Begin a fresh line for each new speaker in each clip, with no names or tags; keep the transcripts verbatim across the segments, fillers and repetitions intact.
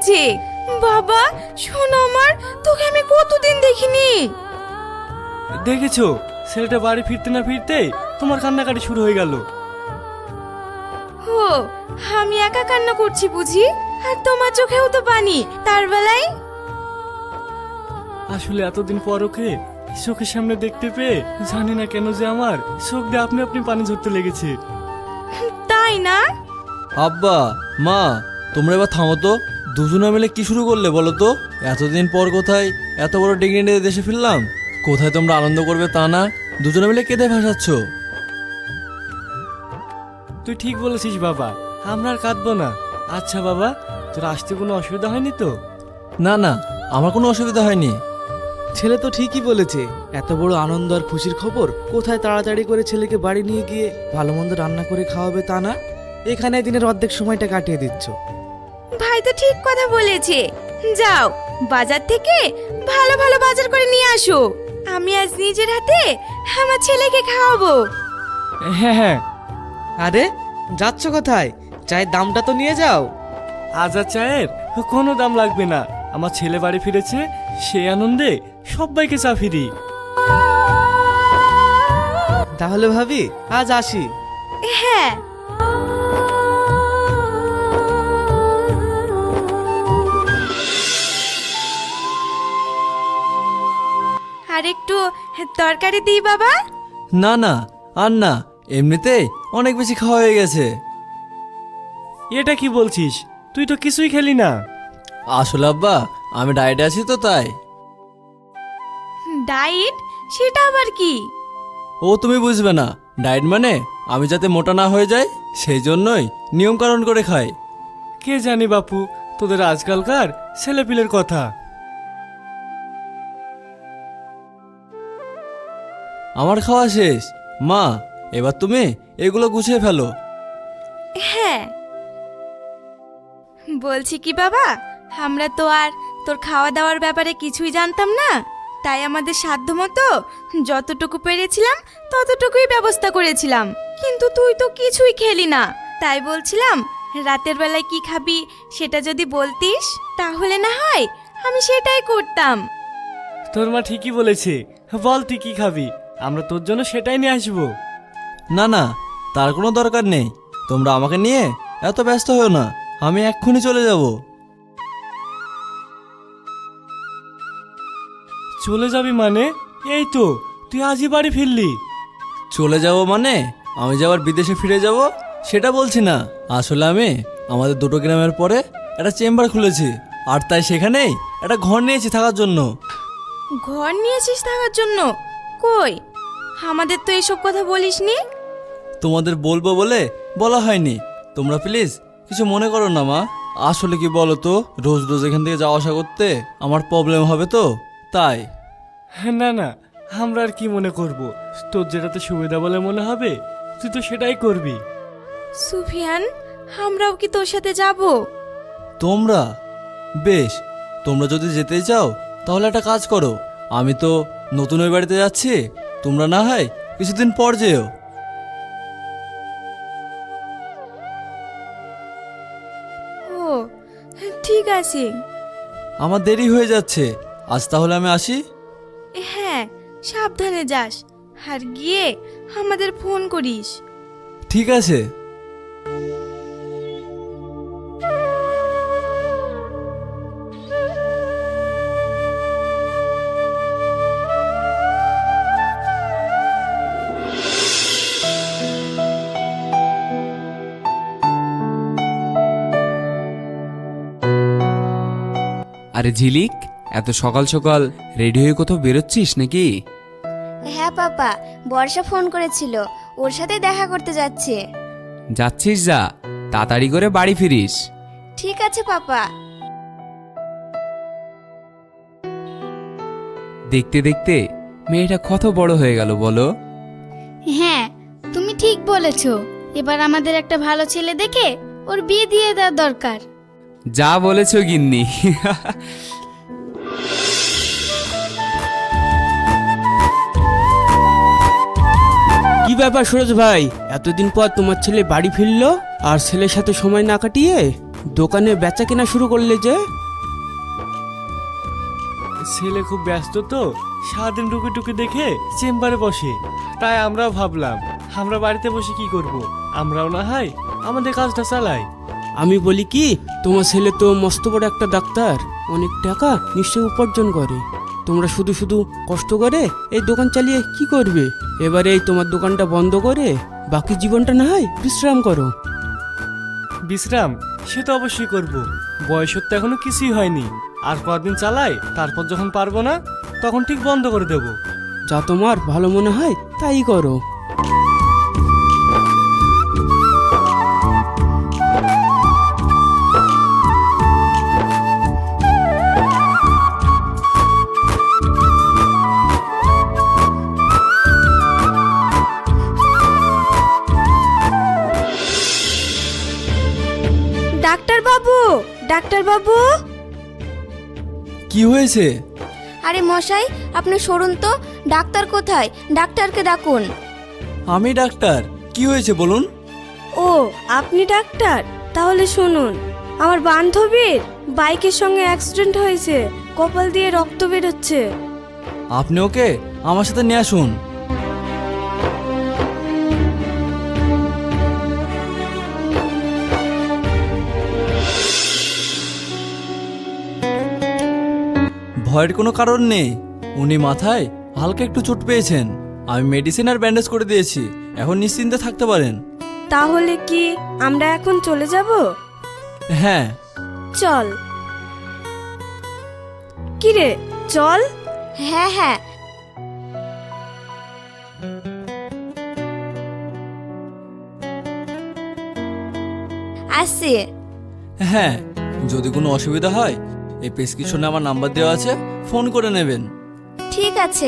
হয়েছে। বাবা শোন, আমার তোকে আমি কতদিন দেখিনি।
দেখেছো, ছেলেটা বাড়ি ফিরতে না ফিরতে তোমার কান্নাকাটি শুরু হয়ে গেল।
ও, আমি একা কান্না করছি বুঝি? আর তোমার চোখেও তো পানি তার বেলায়।
আসলে এতদিন পর ওকে চোখের সামনে দেখতে পেয়ে জানি না কেন যে আমার চোখ দিয়ে আপনি আপনি পানি ঝরতে লেগেছে।
তাই না?
আব্বা, মা, তোমরা এবার থামো তো। দুজনে মিলে কি শুরু করলে বলো তো? এতদিন পর কোথায় এত বড় ডিগ্রি নিয়ে দেশে ফিরলাম, কোথায় তোমরা আনন্দ করবে তা না, দুজনে মিলে কেঁদে ভাসাচ্ছ।
তুই ঠিক বলেছিস বাবা, আমরা আর কাঁদবো না। আচ্ছা বাবা, তোর আসতে কোনো অসুবিধা হয়নি তো?
না না, আমার কোনো অসুবিধা হয়নি।
ছেলে তো ঠিকই বলেছে, এত বড় আনন্দ আর খুশির খবর কোথায় তাড়াতাড়ি করে ছেলেকে বাড়ি নিয়ে গিয়ে ভালো মন্দ রান্না করে খাওয়াবে তা না, এখানে দিনের অর্ধেক সময়টা কাটিয়ে দিচ্ছ।
ভাই তো ঠিক কথা বলেছে। যাও বাজার থেকে ভালো ভালো বাজার করে নিয়ে আসো, আমি আজ নিজের হাতে আমার ছেলেকে খাওয়াবো।
হ্যাঁ হ্যাঁ।
আরে যাচ্ছ কোথায়? চায়ের দামটা তো নিয়ে যাও।
আজ আর চায়ের কোনো দাম লাগবে না, আমার ছেলে বাড়ি ফিরেছে, সেই আনন্দে সবাইকে চা ফিরি।
তাহলে ভাবি আজ আসি।
হ্যাঁ। আর একটু তরকারি দিই বাবা।
না না, আর না, এমনিতেই অনেক বেশি খাওয়া হয়ে গেছে।
এটা কি বলছিস? তুই তো কিছুই খেলি না।
আসলে আব্বা, আমি ডায়েটে আছি তো তাই।
ডায়েট? সেটা আবার কি?
ও তুমি বুঝবে না, ডায়েট মানে আমি যাতে মোটা না হয়ে যাই সেই জন্যই নিয়ম কানুন করে খাই।
কে জানি বাপু, তোদের আজকালকার ছেলেপিলের কথা।
আমার খাওয়া শেষ। মা, এবার তুমি এগুলো গুছিয়ে ফেলো।
হ্যাঁ। বলছি কি বাবা, আমরা তো আর তোর খাওয়া দাওয়ার ব্যাপারে কিছুই জানতাম না, তাই আমাদের সাধ্যমতো যতটুকু পেরেছিলাম ততটুকুই ব্যবস্থা করেছিলাম। কিন্তু তুই তো কিছুই খেলি না, তাই বলছিলাম রাতের বেলায় কি খাবি সেটা যদি বলতিস তাহলে না হয় আমি সেটাই করতাম।
তোর মা ঠিকই বলেছে, বল তুই কি খাবি, আমরা তোর জন্য সেটাই নিয়ে আসবো।
না না, তার কোনো দরকার নেই। তোমরা আমাকে নিয়ে এত ব্যস্ত হও না, আমি এক্ষুনি চলে যাব।
চলে যাবি মানে? এই তো তুই আজই বাড়ি ফিরলি।
চলে যাব মানে আমি যে আবার বিদেশে ফিরে যাব সেটা বলছি না। আসলে আমি আমাদের দুটো গ্রামের পরে একটা চেম্বার খুলেছি, আর তাই সেখানেই একটা ঘর নিয়েছি থাকার জন্য।
ঘর নিয়েছিস থাকার জন্য? কই, আমাদের তো এসব কথা বলিসনি।
তোমাদের বলবো বলে বলা হয়নি। তোমরা প্লিজ কিছু মনে করো না মা। আসলে কি বলো তো, রোজ রোজ এখান থেকে যাওয়া আসা করতে আমার প্রবলেম হবে তো তাই।
না না, আমরা আর কি মনে করব, তোর যেটাতে সুবিধা বলে মনে হবে তুই তো সেটাই করবি।
সুফিয়ান, আমরাও কি তোর সাথে যাব?
তোমরা? বেশ, তোমরা যদি যেতে চাও তাহলে একটা কাজ করো, আমি তো নতুন ওই বাড়িতে যাচ্ছি, তোমরা না হয় কিছুদিন পর যেও।
ও ঠিক আছে।
আমার দেরি হয়ে যাচ্ছে, আজ তাহলে আমি আসি।
হ্যাঁ, সাবধানে যাস, আর গিয়ে আমাদের ফোন করিস।
ঠিক আছে।
আরে ঝিলিক, এত সকাল সকাল রেডি হয়ে কোথাও বেরোচ্ছিস নাকি?
হ্যাঁ পাপা, বর্ষা ফোন করেছিল, ওর সাথে দেখা করতে যাচ্ছে।
যাচ্ছিস যা, তাড়াতাড়ি করে বাড়ি ফিরিস।
ঠিক আছে পাপা।
দেখতে দেখতে মেয়েটা কত বড় হয়ে গেল বলো।
হ্যাঁ, তুমি ঠিক বলেছো, এবার আমাদের একটা ভালো ছেলে দেখে ওর বিয়ে দিয়ে দেওয়ার দরকার।
যা বলেছো গিন্নি।
কি ব্যাপার সুরজ ভাই, এতদিন পর তোমার ছেলে বাড়ি ফিরলো আর ছেলের সাথে সময় না কাটিয়ে দোকানে বেচা কেনা শুরু করলে যে?
ছেলে খুব ব্যস্ত তো, সারাদিন টুকি টুকি দেখে চেম্বারে বসে। তাই আমরাও ভাবলাম আমরা বাড়িতে বসে কি করব, আমরাও না হয় আমাদের কাজটা চালাই।
আমি বলি কি, তোমার ছেলে তো মস্ত বড় একটা ডাক্তার, অনেক টাকা নিশ্চয়ই উপার্জন করে। তোমরা শুধু শুধু কষ্ট করে এই দোকান চালিয়ে কি করবে? এবারে এই তোমার দোকানটা বন্ধ করে বাকি জীবনটা না হয় বিশ্রাম করো।
বিশ্রাম সে তো অবশ্যই করব, বয়সের তো এখনো কিছুই হয়নি। আর কদিন চালাই, তারপর যখন পারবো না তখন ঠিক বন্ধ করে দেব।
যা তোমার ভালো মনে হয় তাই করো।
ডাক্তার বাবু, ডাক্তার বাবু।
কি হয়েছে?
আরে মশাই, আপনি সরুন তো। ডাক্তার কোথায়? ডাক্তারকে ডাকুন।
আমি ডাক্তার, কি হয়েছে বলুন?
ও, আপনি ডাক্তার? তাহলে শুনুন, আমার বান্ধবীর বাইকের সঙ্গে অ্যাক্সিডেন্ট হয়েছে, কপাল দিয়ে রক্ত বেরোচ্ছে।
আপনি ওকে আমার সাথে নিয়ে আসুন। ভয়ের কোনো কারণ নেই, উনি মাথায় হালকা একটু চোট পেয়েছেন। আমি মেডিসিন আর ব্যান্ডেজ করে দিয়েছি, এখন নিশ্চিন্তে থাকতে পারেন।
তাহলে কি আমরা এখন চলে যাব?
হ্যাঁ।
চল। কি রে, চল।
হ্যাঁ হ্যাঁ। আসছি।
হ্যাঁ, যদি কোনো অসুবিধা হয় এই প্রেসক্রিপশনে আমার নাম্বার দেওয়া আছে, ফোন করে নেবেন।
ঠিক আছে।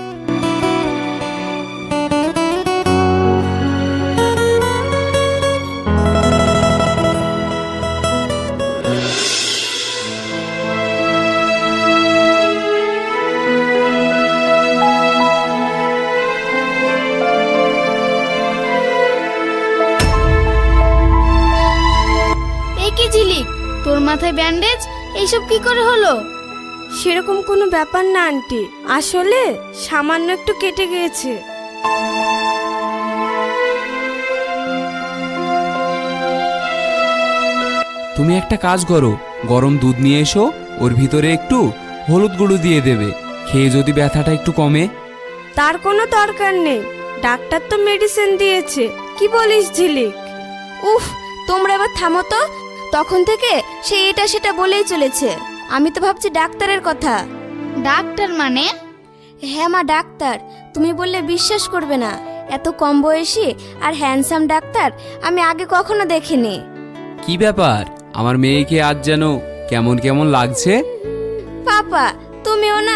এই কি ঝিলিক, তোর মাথায় ব্যান্ডেজ, এইসব কি করে হলো?
সেরকম কোনো ব্যাপার না আন্টি, আসলে সামান্য একটু কেটে গিয়েছে।
তুমি একটা কাজ করো, গরম দুধ নিয়ে এসো, ওর ভিতরে একটু হলুদ গুঁড়ো দিয়ে দেবে, খেয়ে যদি ব্যথাটা একটু কমে।
তার কোনো দরকার নেই, ডাক্তার তো মেডিসিন দিয়েছে। কি বলিস ঝিলিক?
উফ, তোমরা এবার থামো তো। তখন থেকে সে এটা সেটা বলেই চলেছে। আমি তো ভাবছি ডাক্তারের কথা।
ডাক্তার মানে?
হ্যাঁ মা, ডাক্তার। তুমি বললে বিশ্বাস করবে না, এত কম বয়সী আর হ্যান্ডসাম ডাক্তার আমি আগে কখনো দেখিনি।
কি ব্যাপার, আমার মেয়েকে আজ যেন কেমন কেমন লাগছে।
পাপা, তুমিও না?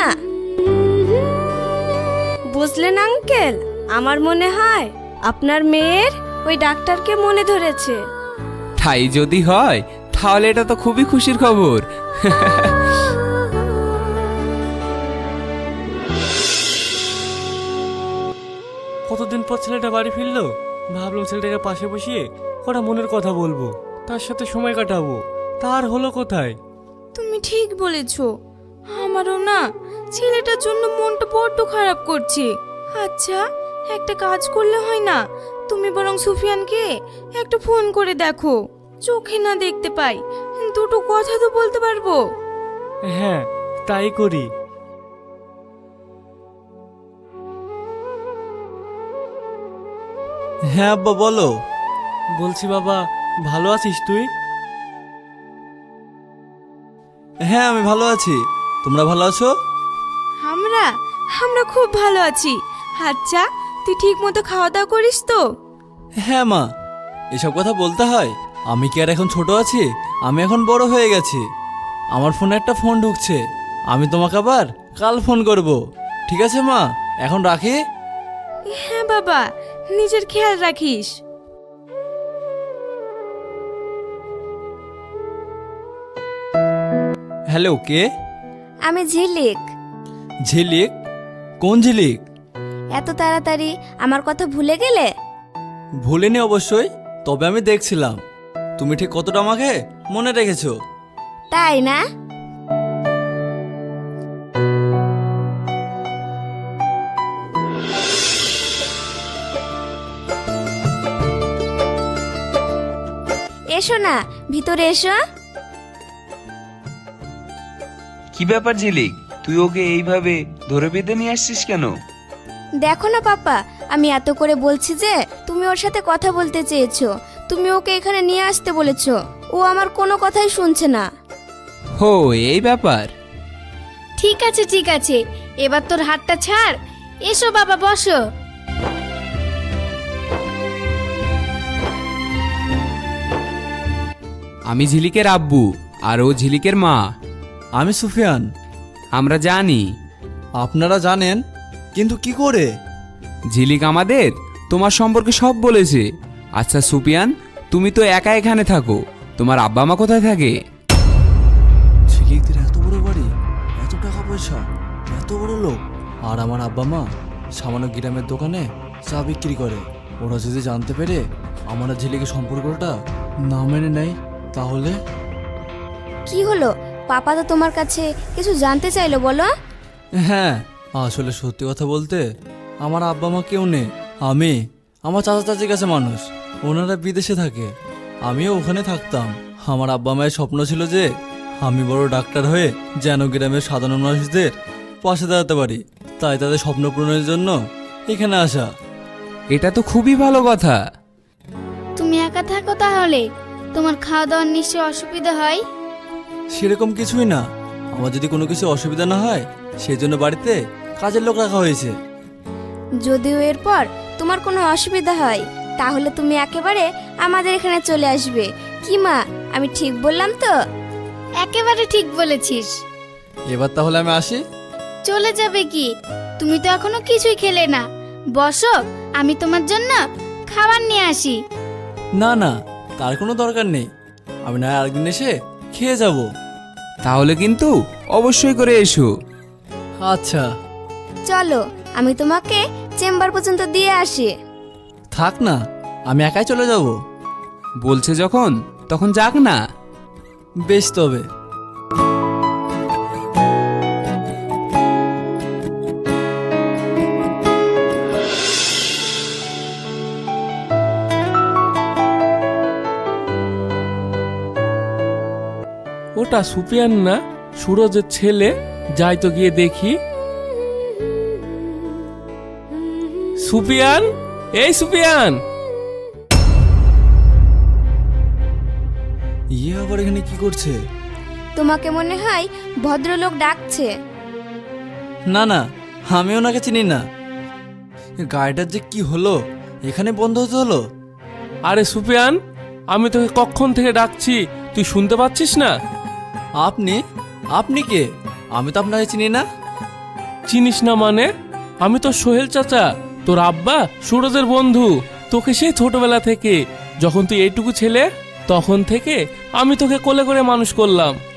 বুঝলেন আঙ্কেল, আমার মনে হয় আপনার মেয়ের ওই ডাক্তারকে মনে ধরেছে।
তাই যদি হয় তাহলে এটা তো খুবই খুশির খবর।
কতদিন পর ছেলেটা বাড়ি ফিরলো, ভাবলাম ছেলেটাকে পাশে বসিয়ে কটা মনের কথা বলবো, তার সাথে সময় কাটাবো। তার হলো কোথায়?
তুমি ঠিক বলেছো, আমারও না ছেলেটার জন্য মনটা বড্ড খারাপ করছে। আচ্ছা, একটা কাজ করলে হয় না, তুমি বরং সুফিয়ানকে একটা ফোন করে দেখো, চোখে না দেখতে পাই, দুটো কথা তো বলতে পারবো।
হ্যাঁ, তাই করি।
হ্যাঁ আব্বা, বলো।
বলছি বাবা, ভালো আছিস তুই?
হ্যাঁ, আমি ভালো আছি, তোমরা ভালো আছো?
আমরা আমরা খুব ভালো আছি। আচ্ছা, তুই ঠিক মতো খাওয়া দাওয়া করিস তো?
হ্যাঁ মা, এসব কথা বলতে হয়? আমি কি আর এখন ছোট আছি? আমি এখন বড় হয়ে গেছি। আমার ফোনে একটা ফোন ঢুকছে, আমি তোমাকে আবার কাল ফোন করব। ঠিক আছে মা, এখন রাখি।
হ্যাঁ বাবা, নিজের খেয়াল রাখিস।
হ্যালো, কে?
আমি ঝিলিক।
ঝিলিক? কোন ঝিলিক?
এত তাড়াতাড়ি আমার কথা ভুলে গেলে?
ভুলিনি অবশ্যই, তবে আমি দেখছিলাম তুমি ঠিক কতটা আমাকে মনে রেখেছো।
তাই না? এসো না, ভিতরে এসো।
কি ব্যাপার ঝিলিক, তুই ওকে এইভাবে ধরে বেঁধে নিয়ে আসছিস কেন?
দেখো না পাপা, আমি এত করে বলছি যে তুমি ওর সাথে কথা বলতে চেয়েছো, তুমি ওকে এখানে নিয়ে আসতে বলেছো, ও আমার কোনো কথাই শুনছে না।
হো, এই ব্যাপার।
ঠিক আছে ঠিক আছে, এবার তোর হাতটা ছাড়। এসো বাবা, বসো।
আমি ঝিলিকের আব্বু আর ও ঝিলিকের মা।
আমি সুফিয়ান।
আমরা জানি।
আপনারা জানেন, কিন্তু কি করে?
ঝিলিক আমাদের তোমার সম্পর্কে সব বলেছে। আচ্ছা সুপিয়ান, তুমি তো একা এখানে থাকো, তোমার আব্বা মা কোথায় থাকে?
ঝিলিকদের এত বড় বাড়ি, এত টাকা পয়সা, এত বড় লোক, আর আমার আব্বা মা সামান্য গ্রামের দোকানে চা বিক্রি করে। ওরা যদি জানতে পেরে আমার আর ঝিলিকের সম্পর্কটা না মেনে নেয় তাহলে?
কি হলো পাপা, তো তোমার কাছে কিছু জানতে চাইলো, বলো।
হ্যাঁ, আসলে সত্যি কথা বলতে আমার আব্বা মা কেউ নেই। আমি আমার চাচা চাচির কাছে মানুষ, ওনারা বিদেশে থাকে, আমিও ওখানে থাকতাম। আমার আব্বা মায়ের স্বপ্ন ছিল যে আমি বড় ডাক্তার হয়ে যেন গ্রামের সাধারণ মানুষদের পাশে দাঁড়াতে পারি, তাই তাদের স্বপ্ন পূরণের জন্য এখানে আসা।
এটা তো খুবই ভালো কথা।
তুমি একা থাকো তাহলে? তোমার খাওয়া দাওয়ার নিশ্চয় অসুবিধা হয়।
সেরকম কিছুই না, আমার যদি কোনো কিছু অসুবিধা না হয় সেই জন্য বাড়িতে কাজের লোক রাখা হয়েছে।
যদিও এরপর তোমার কোনো অসুবিধা হয় তাহলে তুমি একেবারে আমাদের এখানে চলে আসবে। কি মা, আমি ঠিক বললাম তো?
একেবারে ঠিক বলেছিস।
এবার তাহলে আমি আসি।
চলে যাবে কি? তুমি তো এখনো কিছুই খেলে না। বসো, আমি তোমার জন্য খাবার নিয়ে আসি।
না না, তার কোনো দরকার নেই, আমি না আরেকদিন এসে খেয়ে যাব।
তাহলে কিন্তু অবশ্যই করে এসো।
আচ্ছা
চলো, আমি তোমাকে চেম্বার পর্যন্ত দিয়ে আসি।
থাক না, আমি একাই চলে যাব।
বলছে যখন তখন যাক না।
বেশ তবে।
ওটা সুপিয়ান না, সুরজের ছেলে? যাই তো গিয়ে দেখি। সুপিয়ান, এই সুপিয়ান!
ইয়ে আবার এখানে কি করছে?
তোমাকে মনে হয় ভদ্রলোক ডাকছে।
না না, আমি ওনাকে চিনি না। এ গাড়িটার যে কি হলো, এখানে বন্ধ হতে হলো।
আরে সুপিয়ান, আমি তোকে কখন থেকে ডাকছি, তুই শুনতে পাচ্ছিস না?
আপনি আপনি কে? আমি তো আপনাকে চিনি না।
চিনিস না মানে? আমি তো সোহেল চাচা, তোর আব্বা সুরজের বন্ধু। তোকে সেই ছোটবেলা থেকে, যখন তুই এইটুকু ছেলে তখন থেকে আমি তোকে কোলে করে মানুষ করলাম।